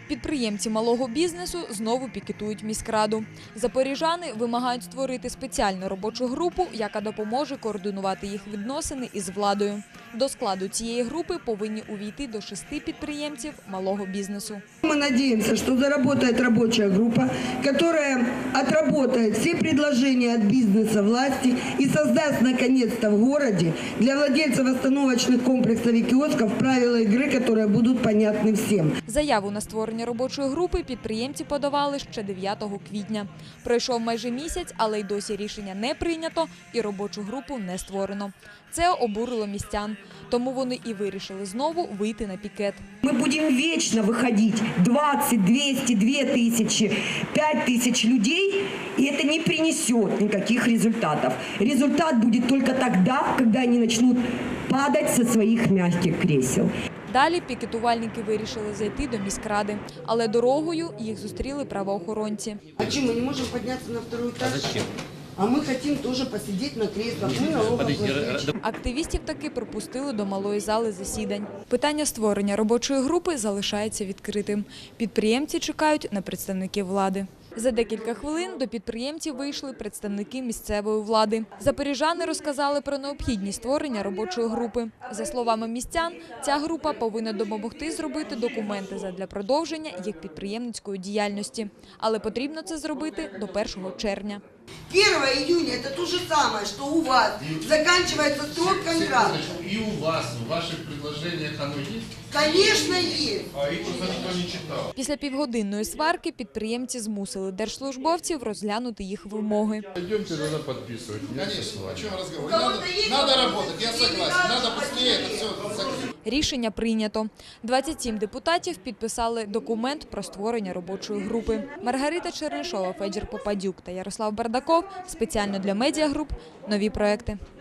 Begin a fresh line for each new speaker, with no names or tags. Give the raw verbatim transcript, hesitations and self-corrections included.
Підприємці малого бізнесу знову пікетують міськраду. Запоріжани вимагають створити спеціальну робочу групу, яка допоможе координувати їх відносини із владою. До складу цієї групи повинні увійти до шести підприємців малого бізнесу.
Ми сподіваємося, що заработає робоча група, яка отработает всі пропозиції від бізнесу власті і создасть наконец-то в городе для владельців остановочних комплексів і кіосків правила ігри, які будуть понятні всім.
Заяву на створення робочої групи підприємці подавали ще дев'ятого квітня. Пройшов майже місяць, але й досі рішення не прийнято і робочу групу не створено. Це обурило містян, тому вони і вирішили знову вийти на пікет.
Ми будемо вічно виходити двадцять, двісті, дві тисячі, п'ять тисяч людей, і це не принесет ніяких результатів. Результат буде тільки тоді, коли вони почнуть падати зі своїх м'яких крісел.
Далі пікетувальники вирішили зайти до міськради, але дорогою їх зустріли правоохоронці.
А чому ми не можемо піднятися на другий етаж? А зачем? А ми хочемо теж посидіти на креслах. Ми налогоплательщики.
Активістів таки пропустили до малої зали засідань. Питання створення робочої групи залишається відкритим. Підприємці чекають на представників влади. За декілька хвилин до підприємців вийшли представники місцевої влади. Запоріжани розказали про необхідність створення робочої групи. За словами містян, ця група повинна допомогти зробити документи задля продовження їх підприємницької діяльності. Але потрібно це зробити до першого червня.
первого июня это то же самое, что у вас. Заканчивается срок контракта.
И у вас, в ваших предложениях оно есть?
Конечно, есть.
А их просто никто не читал.
Після півгодинної сварки підприємці змусили держслужбовців розглянути їх вимоги.
Пойдемте тогда подписывать.
Конечно, о чем разговор? Надо, надо работать, я согласен. Надо быстрее это все закрыть.
Рішення прийнято. двадцять сім депутатів підписали документ про створення робочої групи. Маргарита Чернишова, Федір Попадюк та Ярослав Бардаков спеціально для медіагруп «Нові проекти».